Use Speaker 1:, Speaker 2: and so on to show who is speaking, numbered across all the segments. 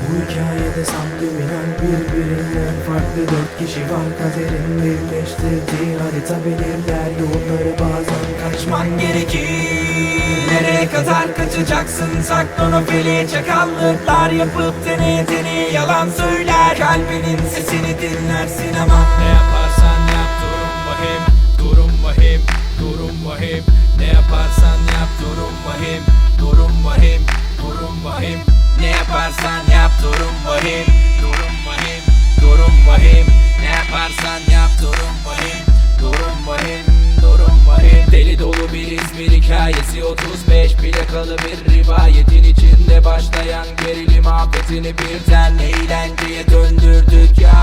Speaker 1: Bu hikayede subliminal birbirinden farklı dört kişi var. Kaderin birleştirdiği harita belirler yolları, bazen kaçman gerekir. Nereye kadar kaçacaksın? Saklanofili çakallıklar yapıp deneye yalan söyler. Kalbinin sesini dinlersin ama
Speaker 2: ne yaparsan yap durum vahim, durum vahim, durum vahim. Ne yaparsan yap durum vahim, durum vahim, durum vahim. Ne yaparsan yap durum vahim, durum vahim, durum vahim. Ne yaparsan yap durum vahim, durum vahim, durum vahim. Deli dolu bir İzmir hikayesi, 35 plakalı bir rivayetin içinde başlayan gerilim afetini birden eğlenceye döndürdük ya.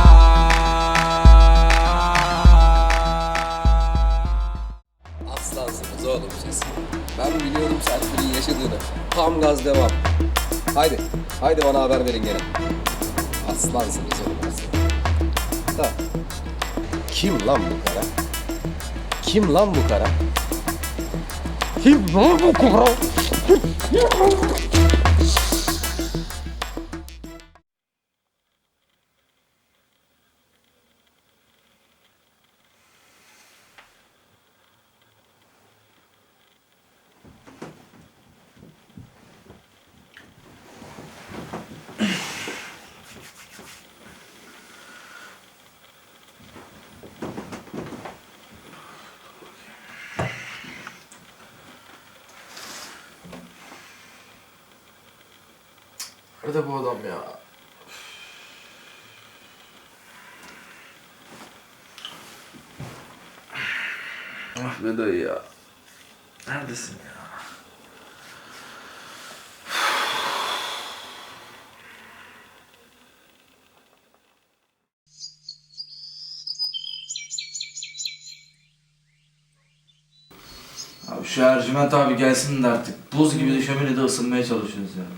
Speaker 3: Aslansınız oğlum siz. Ben biliyorum Serpil'in yaşadığını. Tam gaz devam. Haydi, haydi bana haber verin gene. Aslansınız oğlum aslan. Da. Kim lan bu kara? Kim lan bu kara? Kim lan bu kara?
Speaker 4: Nerede bu adam ya? Ah be dayı ya. Neredesin ya? Abi şu Ercüment abi gelsin de artık. Buz gibi de şöminede ısınmaya çalışıyoruz ya.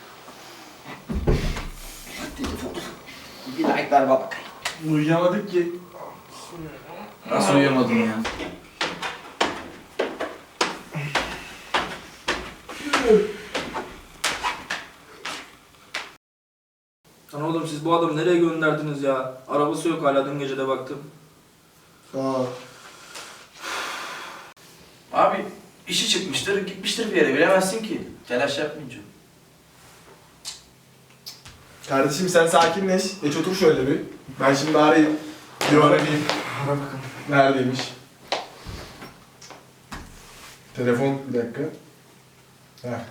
Speaker 5: Bir like ver bak.
Speaker 4: Uyuyamadık ki. Nasıl uyuyamadın ya?
Speaker 6: Lan oğlum siz bu adamı nereye gönderdiniz ya? Arabası yok hala, dün gece de baktım.
Speaker 4: Abi işi çıkmıştır, gitmiştir bir yere, bilemezsin ki. Telaş yapmayınca.
Speaker 7: Kardeşim sen sakinleş. Geç otur şöyle bir. Ben şimdi arayayım. Bir arayayım.
Speaker 4: Ara bakalım.
Speaker 7: Neredeymiş? Telefon bir dakika. Heh.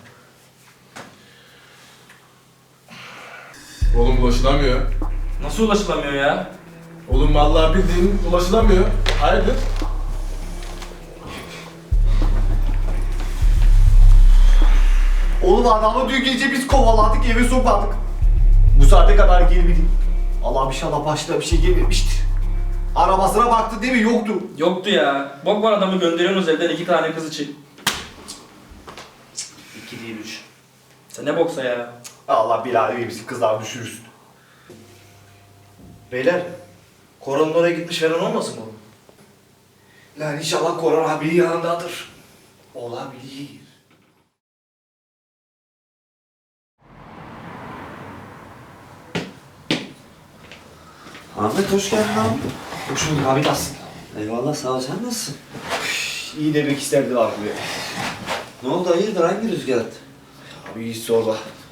Speaker 7: Oğlum ulaşılamıyor.
Speaker 6: Nasıl ulaşılamıyor ya?
Speaker 7: Oğlum vallahi bildiğin ulaşılamıyor. Hayırdır?
Speaker 5: Oğlum adamı dün gece biz kovaladık, eve sokmadık. Bu saate kadar gelmedi. Allah inşallah başına bir şey gelmemiştir. Arabasına baktı değil mi? Yoktu.
Speaker 6: Yoktu ya. Bok var, adamı gönderiyorsunuz evden 2 tane kız için.
Speaker 5: 2 değil 3.
Speaker 6: Sen ne boksa ya?
Speaker 5: Allah bilader bizi kızlar düşürürsün. Beyler, Koran'ın oraya gitmiş falan olmasın bu? Lan inşallah Koran abi yanındadır. Olabilir.
Speaker 8: Ahmet hoş geldin abi.
Speaker 5: Hoş bulduk abi, nasılsın?
Speaker 8: Eyvallah sağ ol, sen nasılsın?
Speaker 5: İyi demek isterdi var buraya.
Speaker 8: Ne oldu hayırdır, hangi rüzgar attı?
Speaker 5: Abi hiç sorma.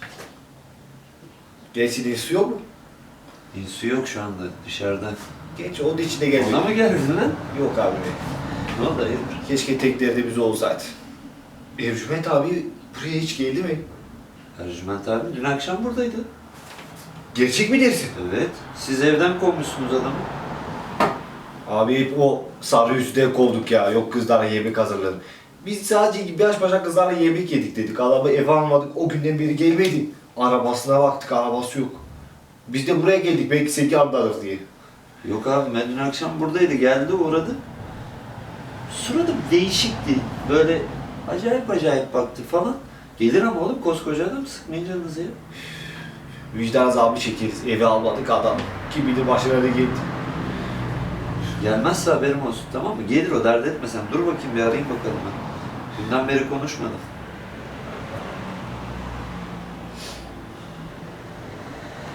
Speaker 5: Gerçi su yok mu?
Speaker 8: Su yok şu anda dışarıda.
Speaker 5: Geç onun içine geldi.
Speaker 8: Ona mı geldin lan?
Speaker 5: Yok abi be.
Speaker 8: Ne oldu hayırdır?
Speaker 5: Keşke teklerde biz olsaydı. Ercüment abi buraya hiç geldi mi?
Speaker 8: Ercüment abi dün akşam buradaydı.
Speaker 5: Gerçek mi dersin?
Speaker 8: Evet. Siz evden kovmuşsunuz adamı.
Speaker 5: Abi hep o sarı yüzünden kovduk ya. Yok kızlara yemek hazırladım. Biz sadece baş başa kızlarla yemek yedik dedik. Adamı eve almadık. O günden beri gelmedi. Arabasına baktık, arabası yok. Biz de buraya geldik belki seki anlarız diye.
Speaker 8: Yok abi ben dün akşam buradaydı, geldi uğradı. Suratı değişikti. Böyle acayip acayip baktı falan. Gelir ama oğlum, koskoca adam, sıkmayın canınızı ya.
Speaker 5: Vicdan azabı çekeriz. Eve almadık adam. Kim bilir başına ne geldi.
Speaker 8: Gelmezse haberim olsun, tamam mı? Gelir o, dert etme sen. Dur bakayım bir arayayım bakalım ben. Dünden beri konuşmadım.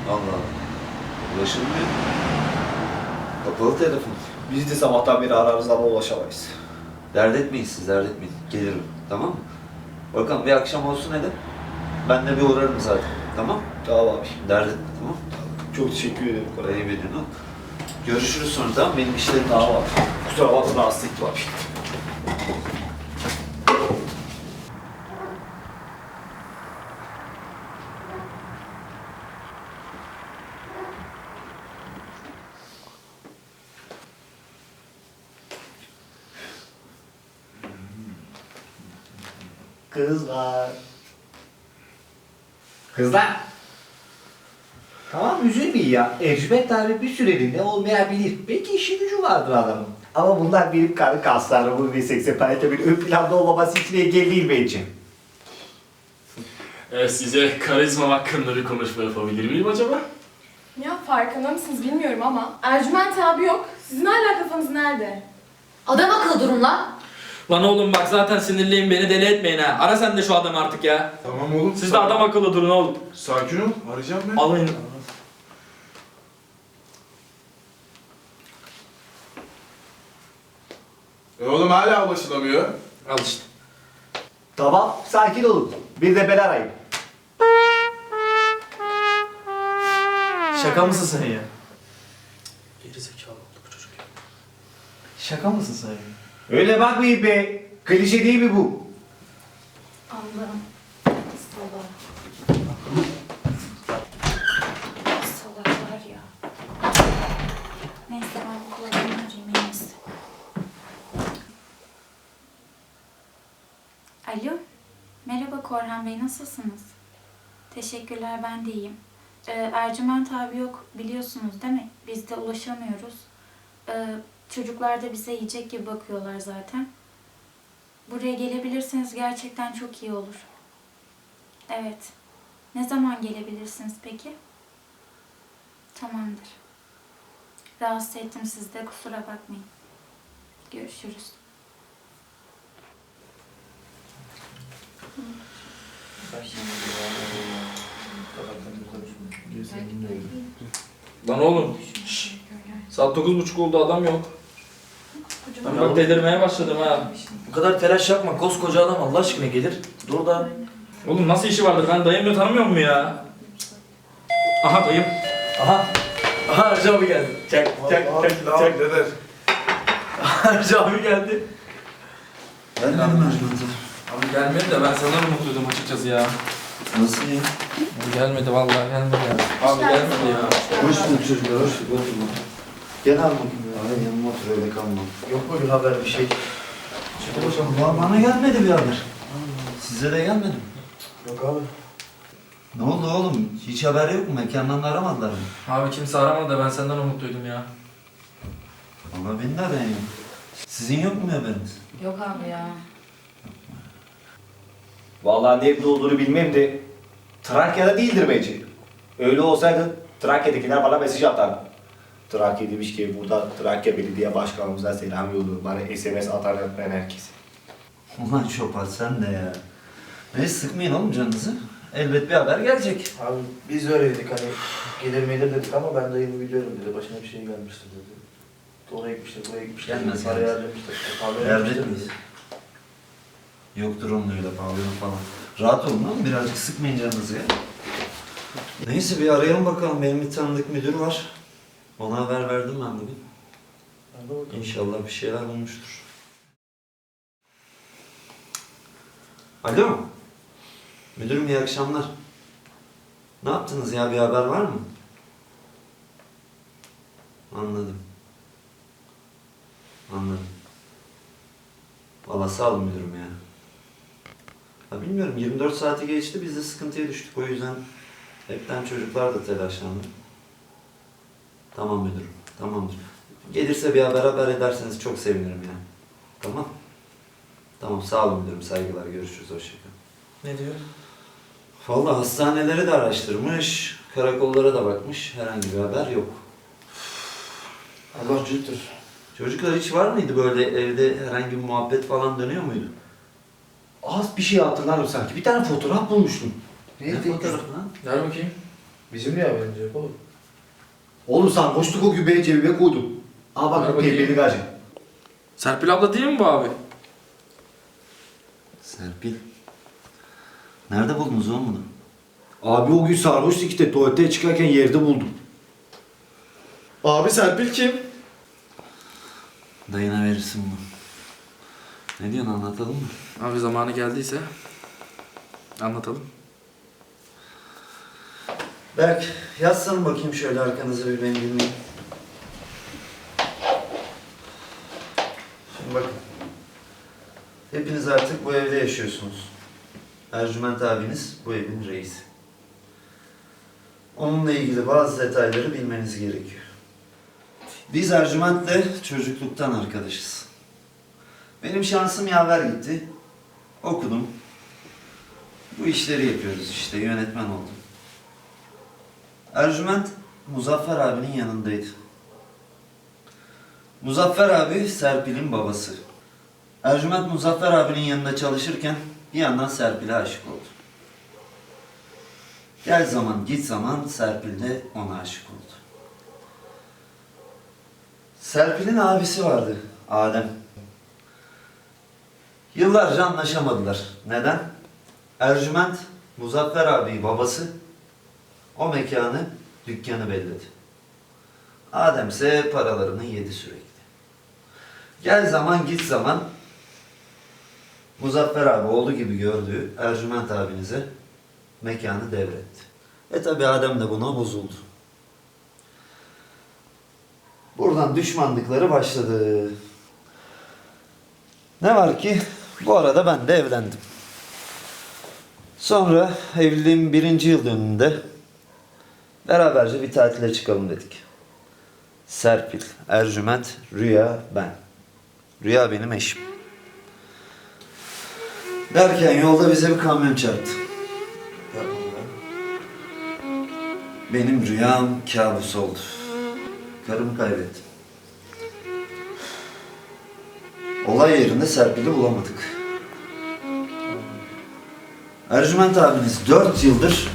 Speaker 8: Allah Allah. Ulaşılmıyor. Kapalı telefon.
Speaker 5: Biz de sabahtan beri ararız ama ulaşamayız.
Speaker 8: Dert etmeyin siz, dert etmeyin. Gelirim, tamam mı? Bakalım bir akşam olsun hele. Ben de bir uğrarım zaten, tamam?
Speaker 5: Tamam abi.
Speaker 8: Dert etme, tamam?
Speaker 5: Çok teşekkür ederim.
Speaker 8: Parayı verin o. Görüşürüz sonra, tamam? Benim işlerim var.
Speaker 5: Tamam abi. Kusura bakma rahatsız ettim abi. Kızlar. Kızlar. Tamam üzülmeyin ya. Ercüment abi bir süreliğine olmayabilir. Belki işi gücü vardır adamın. Ama bunlar benim karı kaslarımın ve seksapalitemin ön planda olmaması için engel değil bence.
Speaker 9: Size karizma hakkında bir konuşma yapabilir miyim acaba?
Speaker 10: Ya farkında mısınız bilmiyorum ama Ercüment abi yok. Sizin hala kafanız nerede?
Speaker 11: Adam akıllı durun lan.
Speaker 6: Lan oğlum bak zaten sinirliyim, beni deli etmeyin ha. Ara sen de şu adamı artık ya.
Speaker 7: Tamam oğlum.
Speaker 6: Siz de adam akıllı durun oğlum.
Speaker 7: Sakin ol. Arayacağım ben.
Speaker 6: Alın.
Speaker 7: Oğlum hala ulaşılamıyor.
Speaker 6: Al işte.
Speaker 5: Tamam sakin olun. Bir de ben arayayım.
Speaker 4: Şaka mısın sen ya? Geri zekalı oldu bu çocuk ya. Şaka mısın sen ya?
Speaker 5: Öyle bakmayın be. Klişe değil mi bu?
Speaker 11: Allah'ım. Salak. Salaklar ya. Neyse ben bu kulağımı arayayım en iyisi. Alo. Merhaba Korhan Bey, nasılsınız? Teşekkürler, ben de iyiyim. Ercüment abi yok, biliyorsunuz değil mi? Biz de ulaşamıyoruz. Çocuklar da bize yiyecek gibi bakıyorlar zaten. Buraya gelebilirseniz gerçekten çok iyi olur. Evet. Ne zaman gelebilirsiniz peki? Tamamdır. Rahatsız ettim sizi de, kusura bakmayın. Görüşürüz.
Speaker 6: Lan oğlum. Şşş. Saat 9:30 oldu, adam yok. Ben bak delirmeye başladım ha.
Speaker 4: Bu kadar telaş yapma. Koskoca adam Allah aşkına gelir. Dur da.
Speaker 6: Oğlum nasıl işi vardır, ben dayımla tanımıyor mu ya? Aha dayım.
Speaker 4: Aha. Aha Arca abi geldi. Çak çak çak çak.
Speaker 7: Deder.
Speaker 4: Arca abi geldi.
Speaker 8: Gelmedi mi Ercüment'e?
Speaker 6: Abi gelmedi de ben senden umutluydum açıkçası ya.
Speaker 8: Nasıl ya?
Speaker 6: Abi gelmedi vallahi, gelmedi ya. Abi gelmedi ya.
Speaker 8: Hoş bulduk çocuklar, hoş bulduk. Oturma. Gel abi bakayım. Abi yanıma otur, öyle kalma.
Speaker 4: Yok mu bir haber bir şey?
Speaker 8: Bana gelmedi bir haber. Size de gelmedi mi?
Speaker 4: Yok abi.
Speaker 8: Ne oldu oğlum? Hiç haber yok mu? Mekandan da aramadılar mı?
Speaker 6: Abi kimse aramadı da ben senden umutluydum ya.
Speaker 8: Valla beni de arayın. Sizin yok mu haberiniz?
Speaker 11: Yok abi ya.
Speaker 5: Vallahi nerede olduğunu bilmem de Trakya'da değildir bence. Öyle olsaydı Trakya'dakiler bana mesaj atardı. Trakya demiş ki burada Trakya Belediye Başkanımıza selam yolluyor. Bana SMS atar ben herkese.
Speaker 8: Ulan Şopal sen de ya. Neyse sıkmayın oğlum canınızı. Elbet bir haber gelecek.
Speaker 4: Abi biz de öyle dedik hani gelir melir dedik ama ben dayımı biliyorum dedi. Başına bir şey gelmiştir dedi. Oraya gitmiştir, buraya gitmiştir.
Speaker 8: Gelmez,
Speaker 4: Parayı
Speaker 8: gelmez.
Speaker 4: harcamıştır. Kahve
Speaker 8: Elbet
Speaker 4: yapmıştır
Speaker 8: miyiz?
Speaker 4: dedi.
Speaker 8: Yoktur onun öyle pavyon falan. Rahat olun oğlum, birazcık sıkmayın canınızı ya. Neyse bir arayalım bakalım. Benim bir tanıdık müdür var. Ona haber verdim ben bugün.
Speaker 4: Hadi bakalım.
Speaker 8: İnşallah bir şeyler bulmuştur. Alo. Müdürüm iyi akşamlar. Ne yaptınız ya? Bir haber var mı? Anladım. Anladım. Valla sağ olun müdürüm ya. Ya bilmiyorum 24 saati geçti biz de sıkıntıya düştük o yüzden hepten çocuklar da telaşlandı. Tamam müdürüm, tamamdır. Gelirse bir haber ederseniz çok sevinirim ya. Tamam. Tamam sağ olun müdürüm, saygılar, görüşürüz, hoşçakalın.
Speaker 6: Ne diyor?
Speaker 8: Vallahi hastaneleri de araştırmış, karakollara da bakmış, herhangi bir haber yok.
Speaker 4: Allah cüttür.
Speaker 8: Çocuklar hiç var mıydı böyle evde herhangi bir muhabbet falan dönüyor muydu?
Speaker 5: Az bir şey hatırlarım sanki. Bir tane fotoğraf bulmuştum.
Speaker 8: Ne fotoğrafı lan?
Speaker 6: Ver bakayım.
Speaker 4: Bizim niye haberimiz yok oğlum?
Speaker 5: Oğlum sarhoşluk o gübeyi cebime koydum. Aa
Speaker 6: Ver
Speaker 5: bak
Speaker 6: bakayım.
Speaker 5: pembeli gacı.
Speaker 6: Serpil abla değil mi bu abi?
Speaker 8: Serpil. Nerede buldunuz oğlum bunu?
Speaker 5: Abi o gün sarhoştuk işte tuvalete çıkarken yerde buldum.
Speaker 7: Abi Serpil kim?
Speaker 8: Dayına verirsin bunu. Ne diyorsun, anlatalım mı?
Speaker 6: Abi zamanı geldiyse anlatalım.
Speaker 8: Berk, yazsana bakayım şöyle arkanıza bir ben dinleyeyim. Şimdi bakın. Hepiniz artık bu evde yaşıyorsunuz. Ercüment abiniz bu evin reisi. Onunla ilgili bazı detayları bilmeniz gerekiyor. Biz Ercüment'le çocukluktan arkadaşız. Benim şansım yaver gitti. Okudum. Bu işleri yapıyoruz işte, yönetmen oldum. Ercüment, Muzaffer abinin yanındaydı. Muzaffer abi, Serpil'in babası. Ercüment, Muzaffer abinin yanında çalışırken bir yandan Serpil'e aşık oldu. Gel zaman, git zaman Serpil de ona aşık oldu. Serpil'in abisi vardı, Adem. Yıllarca anlaşamadılar. Neden? Ercüment, Muzaffer abi babası, o mekanı, dükkanı belledi. Adem ise paralarını yedi sürekli. Gel zaman git zaman Muzaffer abi oğlu gibi gördüğü Ercüment abinize mekanı devretti. Tabi Adem de buna bozuldu. Buradan düşmanlıkları başladı. Ne var ki bu arada ben de evlendim. Sonra evliliğim 1. yıl dönümünde beraberce bir tatile çıkalım dedik. Serpil, Ercüment, Rüya, ben. Rüya benim eşim. Derken yolda bize bir kamyon çarptı. Benim rüyam kabus oldu. Karımı kaybettim. Olay yerinde Serpil'i bulamadık. Ercüment abiniz 4 yıldır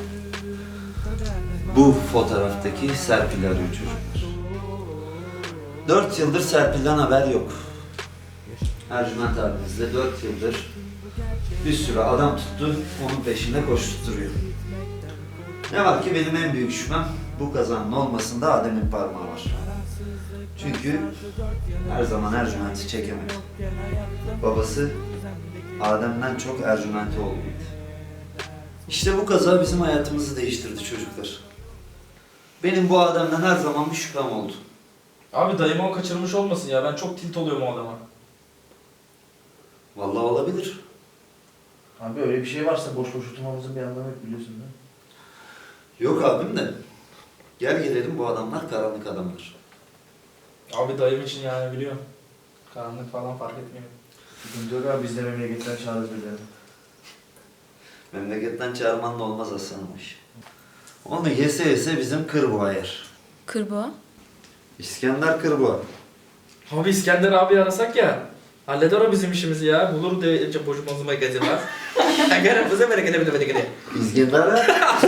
Speaker 8: bu fotoğraftaki Serpil'i arıyor çocuklar. 4 yıldır Serpil'den haber yok. Ercüment abiniz de 4 yıldır bir sürü adam tuttu, onun peşinde koşturuyor. Ne var ki benim en büyük şüphem bu kazanın olmasında Adem'in parmağı var. Çünkü her zaman Ercüment'i çekemedi. Babası Adem'den çok Ercüment'i oğluydu. İşte bu kaza bizim hayatımızı değiştirdi çocuklar. Benim bu Adem'den her zaman bir şüphem oldu.
Speaker 6: Abi dayımı o kaçırmış olmasın ya, ben çok tilt oluyorum o adama.
Speaker 8: Vallahi olabilir.
Speaker 4: Abi öyle bir şey varsa boş boş oturmamızın bir anlamı yok biliyorsun değil mi?
Speaker 8: Yok abim de. Gel gelelim bu adamlar karanlık adamlar.
Speaker 6: Abi dayım için yani biliyorum. Karanlık falan fark etmiyor.
Speaker 4: Sıkıntı yok abi biz de memleketten çağırırız birilerini.
Speaker 8: Memleketten çağırmanla olmaz aslanım iş. Onu yese yese bizim Kırboğa yer.
Speaker 11: Kırboğa?
Speaker 8: İskender Kırboğa.
Speaker 6: Abi İskender abi arasak ya. Halleder o bizim işimizi ya. Bulur de boşumazıma geziler. Gene bize merak edemedim.
Speaker 8: İskender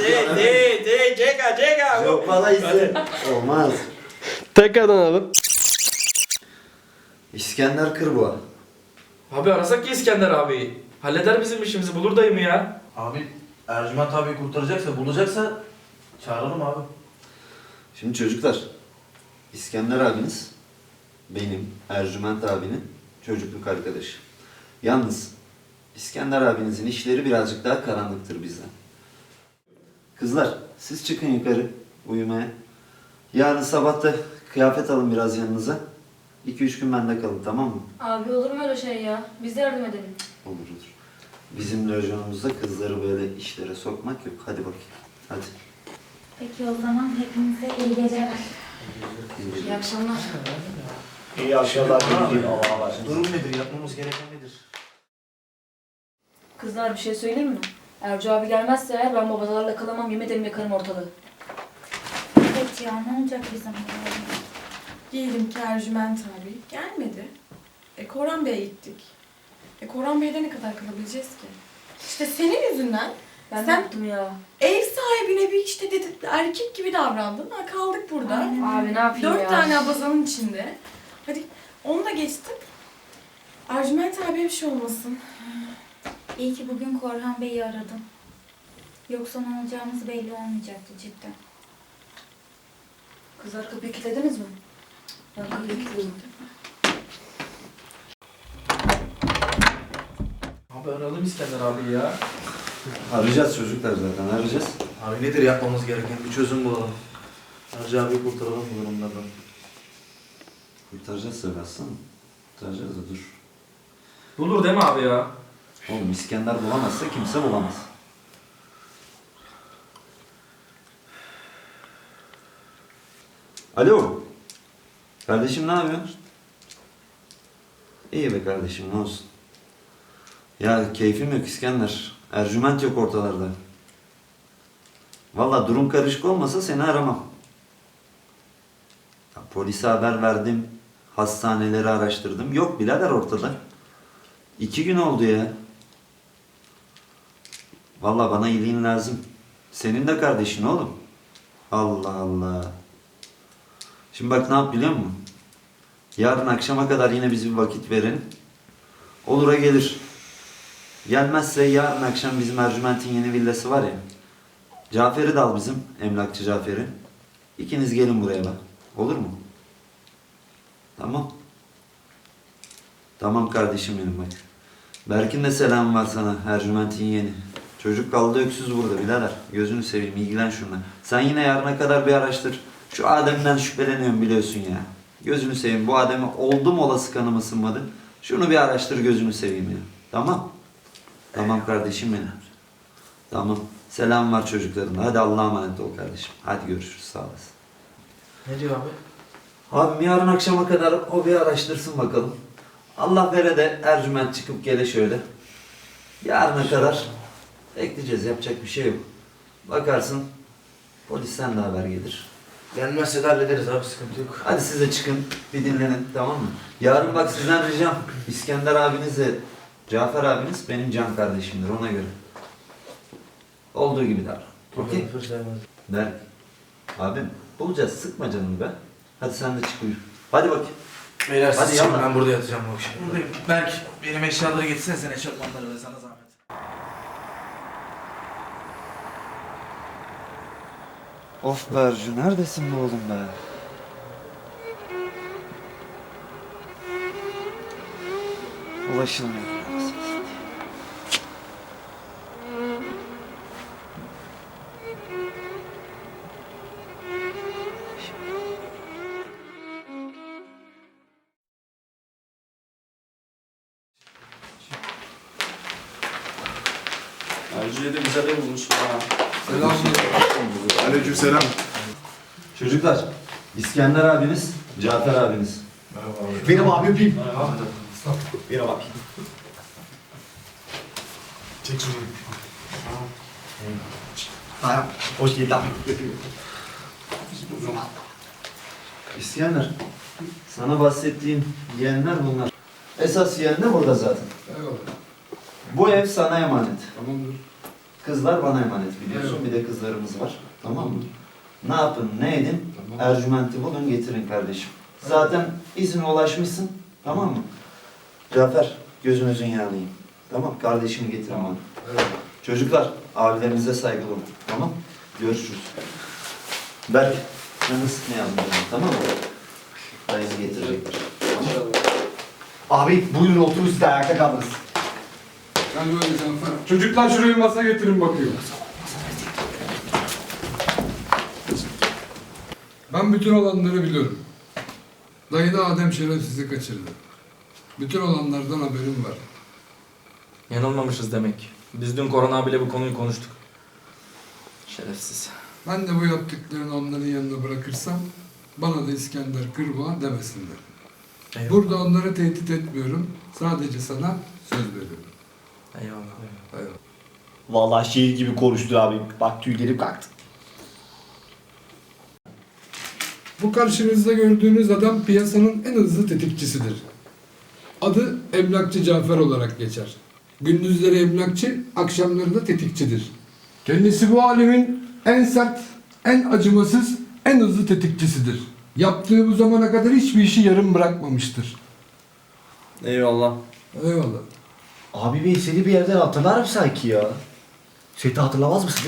Speaker 6: Ceka.
Speaker 8: Yok bana izle. Olmaz.
Speaker 7: Tekrardan alalım.
Speaker 8: İskender Kırboğa.
Speaker 6: Abi arasak ya İskender abi. Halleder bizim işimizi, bulur dayımı ya.
Speaker 4: Abi Ercüment abi kurtaracaksa bulacaksa çağıralım abi.
Speaker 8: Şimdi çocuklar, İskender abiniz benim, Ercüment abinin çocukluk arkadaşı. Yalnız İskender abinizin işleri birazcık daha karanlıktır bizden. Kızlar, siz çıkın yukarı uyumaya. Yarın sabah da kıyafet alın biraz yanınıza. 2-3 gün bende kalın, tamam mı?
Speaker 10: Abi olur mu öyle şey ya? Biz de yardım edelim.
Speaker 8: Olur olur. Bizim lojanımızda kızları böyle işlere sokmak yok. Hadi bakayım. Hadi.
Speaker 11: Peki o zaman hepinize iyi geceler.
Speaker 10: İyi akşamlar.
Speaker 5: İyi akşamlar.
Speaker 4: Durum nedir? Yapmamız gereken nedir?
Speaker 10: Kızlar bir şey söyleyeyim mi? Ercü abi gelmezse eğer ben babalarla kalamam, yemin ederim yakarım ortalığı.
Speaker 11: Evet ya, ne olacak bizim halimizde?
Speaker 10: Diyelim ki Ercüment abi gelmedi. Koran Bey'e gittik. Koran Bey'de ne kadar kalabileceğiz ki? İşte senin yüzünden
Speaker 11: Ben
Speaker 10: sen
Speaker 11: yaptım ya.
Speaker 10: ev sahibine bir işte erkek gibi davrandın. Ha, kaldık burada.
Speaker 11: Abi ne yapayım
Speaker 10: 4 tane abazanın içinde. Hadi onu da geçtim. Ercüment abiye bir şey olmasın.
Speaker 11: İyi ki bugün Korhan Bey'i aradım. Yoksa ne olacağımız belli olmayacaktı cidden.
Speaker 10: Kızlar kapıyı kilitlediniz mi? Ben kapıyı kilitledim.
Speaker 6: Abi aralım İskender abi ya.
Speaker 8: Arayacağız çocuklar zaten, arayacağız.
Speaker 4: Abi nedir yapmamız gereken? Bir çözüm bulalım. Hacı abi kurtaralım bu durumlardan.
Speaker 8: Kurtaracağız tabii aslanım. Kurtaracağız da dur.
Speaker 6: Bulur değil mi abi ya?
Speaker 8: Oğlum İskender bulamazsa kimse bulamaz. Alo. Kardeşim ne yapıyorsun? İyi be kardeşim ne olsun. Ya keyfim yok İskender. Ercüment yok ortalarda. Vallahi durum karışık olmasa seni aramam. Ya, polise haber verdim. Hastaneleri araştırdım. Yok birader ortada. 2 gün oldu ya. Vallahi bana iyiliğin lazım. Senin de kardeşin oğlum. Allah Allah. Şimdi bak ne yap biliyor musun? Yarın akşama kadar yine biz bir vakit verin. Olur'a gelir. Gelmezse yarın akşam bizim Ercüment'in yeni villası var ya. Cafer'i de al bizim. Emlakçı Cafer'i. İkiniz gelin buraya bak. Olur mu? Tamam. Tamam kardeşim benim bak. Berk'in de selam var sana. Ercüment'in yeni. Çocuk kaldı öksüz burada birader. Gözünü seveyim ilgilen şuna. Sen yine yarına kadar bir araştır. Şu Adem'den şüpheleniyorum biliyorsun ya. Gözünü seveyim. Bu Adem'e oldum olası kanım ısınmadı. Şunu bir araştır gözünü seveyim ya. Tamam. Tamam kardeşim benim. Tamam. Selam var çocuklarına. Hadi Allah'a emanet ol kardeşim. Hadi görüşürüz. Sağ olasın.
Speaker 6: Ne diyor abi?
Speaker 8: Abim yarın akşama kadar o bir araştırsın bakalım. Allah vere de Ercüment çıkıp gele şöyle. Yarına kadar bekleyeceğiz. Yapacak bir şey yok. Bakarsın polisten de haber gelir.
Speaker 4: Gelmezse de hallederiz abi, sıkıntı yok.
Speaker 8: Hadi siz de çıkın bir dinlenin tamam mı? Yarın bak sizden ricam İskender abiniz de Cafer abiniz benim can kardeşimdir ona göre. Olduğu gibi davran. Okey? Berk. Abim bulacağız sıkma canını be. Hadi sen de çık uyu. Hadi bakayım.
Speaker 4: Beyler
Speaker 8: Hadi
Speaker 4: siz çıkın,
Speaker 8: yallah.
Speaker 4: ben burada yatacağım bu akşam.
Speaker 6: Buradayım. Berk benim eşyaları getirsene sen eşofmanları ve sana zahmet.
Speaker 8: Of be Ercü neredesin be oğlum be? Ulaşılmıyor.
Speaker 9: Ercü'ye de güzel ev bulmuş ha.
Speaker 7: Aleykümselam.
Speaker 8: Çocuklar, İskender abiniz, Cafer abiniz.
Speaker 5: Benim abi öpeyim. Benim abi.
Speaker 7: Çek şunu.
Speaker 5: Tamam. Hoş geldin abi.
Speaker 8: İskender, sana bahsettiğim yeğenler bunlar. Esas yeğen de burada zaten.
Speaker 7: Eyvallah.
Speaker 8: Bu ev sana emanet.
Speaker 7: Tamamdır.
Speaker 8: Kızlar bana emanet biliyorsun.
Speaker 7: Evet.
Speaker 8: Bir de kızlarımız var. Tamam mı? Ne yapın, ne edin?
Speaker 7: Tamam.
Speaker 8: Ercüment'i bulun getirin kardeşim. Zaten izine ulaşmışsın. Tamam mı? Cafer, gözünüzün yağlayayım. Tamam, kardeşimi getirin bana.
Speaker 7: Evet.
Speaker 8: Çocuklar, abilerinize saygılı olun. Tamam? Görüşürüz. Berk, canını sıkmayalım canım, tamam mı? Dayısı getirecektir.
Speaker 5: Abi buyurun oturun siz de ayakta kaldınız.
Speaker 7: Gel böyle Cafer. Çocuklar şuraya masa getirin bakıyor. Ben bütün olanları biliyorum. Dayı da Adem şerefsizi kaçırdı. Bütün olanlardan haberim var.
Speaker 6: Yanılmamışız demek. Biz dün Korhan abiyle bu konuyu konuştuk. Şerefsiz.
Speaker 7: Ben de bu yaptıklarını onların yanına bırakırsam bana da İskender Kırboğa demesinler.
Speaker 6: Eyvallah.
Speaker 7: Burada onları tehdit etmiyorum. Sadece sana söz veriyorum.
Speaker 6: Eyvallah.
Speaker 7: Eyvallah.
Speaker 5: Vallahi şiir gibi konuştu abi. Bak tüylerim kalktı.
Speaker 7: Bu karşınızda gördüğünüz adam piyasanın en hızlı tetikçisidir. Adı Emlakçı Cafer olarak geçer. Gündüzleri emlakçı, akşamları da tetikçidir. Kendisi bu alemin en sert en acımasız, en hızlı tetikçisidir. Yaptığı bu zamana kadar hiçbir işi yarım bırakmamıştır.
Speaker 6: Eyvallah.
Speaker 7: Eyvallah.
Speaker 5: Abi ben seni bir yerden hatırlarım sanki ya. Sen de hatırlamaz mısın?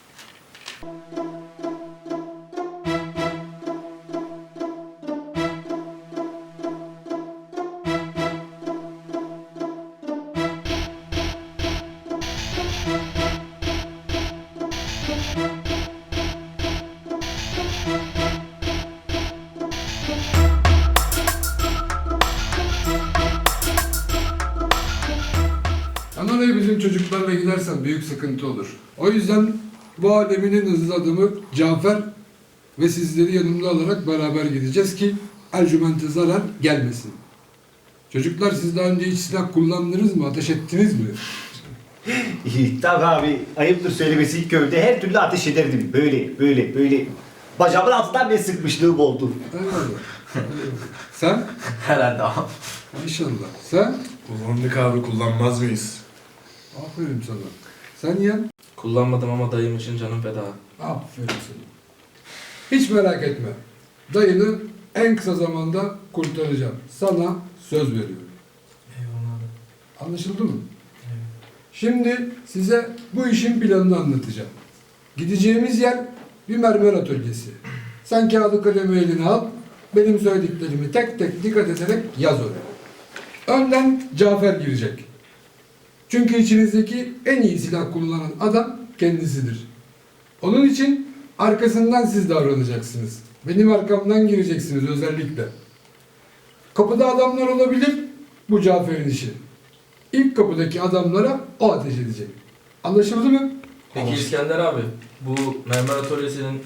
Speaker 7: Anadolu'ya bizim çocuklarla gidersen büyük sıkıntı olur. O yüzden bu alemin en hızlı adamı Cafer ve sizleri yanımda alarak beraber gideceğiz ki Ercüment'e zarar gelmesin. Çocuklar siz daha önce hiç silah kullandınız mı? Ateş ettiniz mi?
Speaker 5: Tabii abi, ayıptır söylemesi ilk köyde her türlü ateş ederdim. Böyle. Bacağımın altından bir sıkmışlığım oldu.
Speaker 7: Eyvallah. Sen?
Speaker 6: Herhalde abi.
Speaker 7: İnşallah. Sen?
Speaker 12: Kullandık abi, kullanmaz mıyız?
Speaker 7: Aferin sana. Sen yeğen?
Speaker 6: Kullanmadım ama dayım için canım feda.
Speaker 7: Aferin sana. Hiç merak etme. Dayını en kısa zamanda kurtaracağım. Sana söz veriyorum.
Speaker 6: Eyvallah abi.
Speaker 7: Anlaşıldı mı? Şimdi size bu işin planını anlatacağım. Gideceğimiz yer bir mermer atölyesi. Sen kağıdı kalemi eline al, benim söylediklerimi tek tek dikkat ederek yaz oraya. Önden Cafer girecek. Çünkü içinizdeki en iyi silah kullanan adam kendisidir. Onun için arkasından siz davranacaksınız. Benim arkamdan gireceksiniz özellikle. Kapıda adamlar olabilir, bu Cafer'in işi. İlk kapıdaki adamlara o ateş edecek. Anlaşıldı mı?
Speaker 6: Peki İskender abi, bu mermer atölyesinin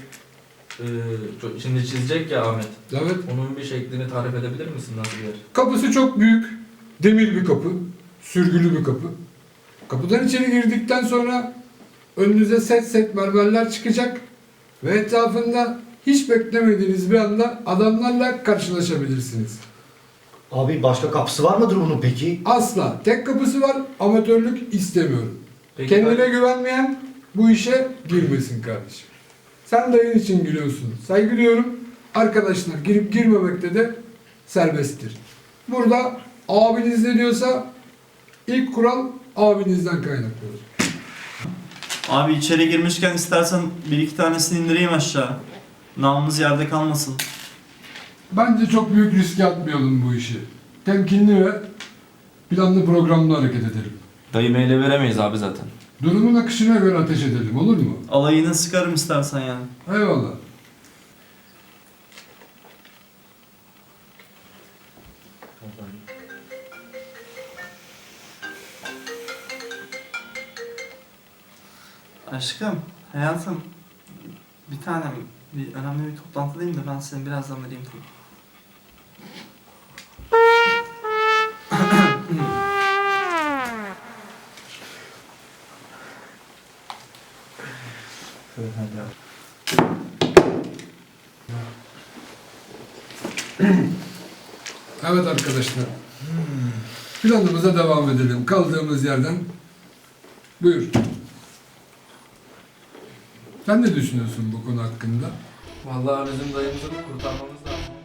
Speaker 6: şimdi çizecek ya Ahmet.
Speaker 7: Evet.
Speaker 6: Onun bir şeklini tarif edebilir misin, nasıl bir yer?
Speaker 7: Kapısı çok büyük, demir bir kapı, sürgülü bir kapı. Kapıdan içeri girdikten sonra önünüze set mermerler çıkacak ve etrafında hiç beklemediğiniz bir anda adamlarla karşılaşabilirsiniz.
Speaker 5: Abi başka kapısı var mıdır bunun peki?
Speaker 7: Asla. Tek kapısı var, amatörlük istemiyorum.
Speaker 6: Peki
Speaker 7: Kendine güvenmeyen bu işe girmesin kardeşim. Sen dayın için gülüyorsun. Saygı duyuyorum. Arkadaşlar girip girmemekte de serbesttir. Burada abiniz ne diyorsa ilk kural abinizden kaynaklanır.
Speaker 13: Abi içeri girmişken istersen bir iki tanesini indireyim aşağı. Namımız yerde kalmasın.
Speaker 7: Bence çok büyük riske atmayalım bu işi. Temkinli ve planlı programlı hareket edelim.
Speaker 9: Dayımı ele veremeyiz abi zaten.
Speaker 7: Durumun akışına göre ateş edelim, olur mu?
Speaker 13: Alayını sıkarım istersen yani.
Speaker 7: Eyvallah.
Speaker 13: Aşkım, hayatım. Bir tanem, bir önemli bir toplantıdayım da ben seni birazdan arayayım tabii.
Speaker 7: Evet arkadaşlar. Planımıza devam edelim. Kaldığımız yerden. Buyur. Sen ne düşünüyorsun bu konu hakkında?
Speaker 6: Vallahi bizim dayımızı kurtarmamız lazım.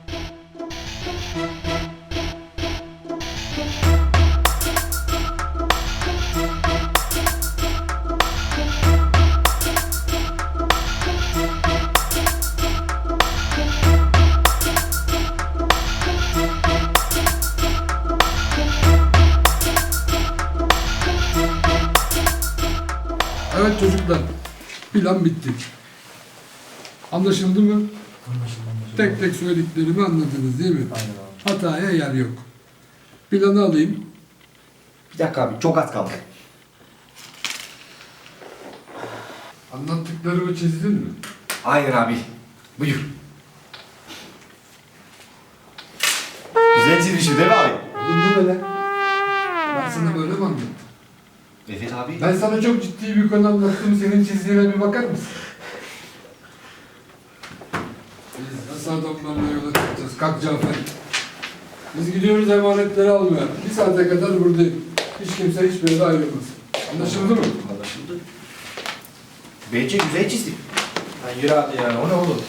Speaker 7: Evet çocuklar. Plan bitti. Anlaşıldı mı?
Speaker 6: Anlaşıldı.
Speaker 7: Tek tek söylediklerimi anladınız değil mi?
Speaker 6: Aynen abi.
Speaker 7: Hataya yer yok. Planı alayım.
Speaker 5: Bir dakika abi, çok az kaldı.
Speaker 7: Anlattıklarımı çizdin mi?
Speaker 5: Aynen abi. Buyur. Güzel çizmişim değil mi abi?
Speaker 7: Oğlum bu ne lan? Ben sana böyle mi anlattım?
Speaker 5: Evet abi.
Speaker 7: Ben sana çok ciddi bir konu anlattım. Senin çizdiğine bir bakar mısın? Biz nasıl adamlarla yola çıkacağız? Kalk Cafer. Biz gidiyoruz emanetleri almaya. Bir saate kadar buradayım. Hiç kimse hiçbir yere ayrılmasın. Anlaşıldı mı?
Speaker 5: Anlaşıldı. Bence güzel çizdim.
Speaker 6: Lan yürü hadi ya. O ne oğlum?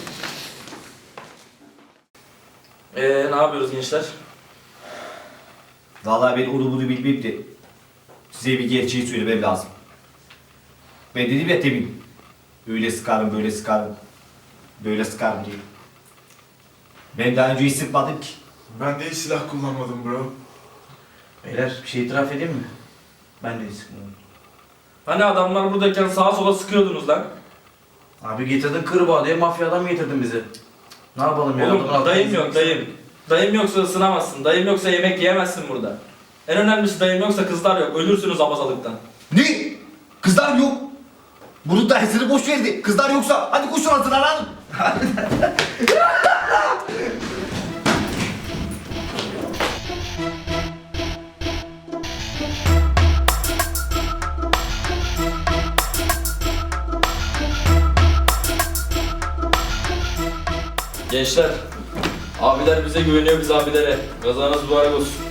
Speaker 6: Ne yapıyoruz gençler?
Speaker 5: Vallahi ben onu bunu bilmeyip de size bir gerçeği söylemem lazım. Ben dedim ya temin. Öyle sıkarım, böyle sıkarım. Böyle sıkarım diye. Ben daha önce hiç sıkmadım ki.
Speaker 12: Ben de hiç silah kullanmadım bro.
Speaker 4: Beyler bir şey itiraf edeyim mi? Ben de hiç sıkmıyorum.
Speaker 6: Hani adamlar buradayken sağa sola sıkıyordunuz lan.
Speaker 4: Abi getirdin kırbağa diye mafyadan mı getirdin bizi? Ne yapalım ya? Adamın
Speaker 6: Oğlum
Speaker 4: altına
Speaker 6: dayım yok
Speaker 4: gitmek
Speaker 6: dayım. Dayım yoksa ısınamazsın. Dayım yoksa yemek yiyemezsin burada. En önemlisi dayım yoksa kızlar yok. Ölürsünüz abazalıktan.
Speaker 5: Ne? Kızlar yok. Bunun dersini boş verdi. Kızlar yoksa hadi koşun hazırlanalım.
Speaker 6: Gençler, abiler bize güveniyor, biz abilere. Kazanız mübarek olsun.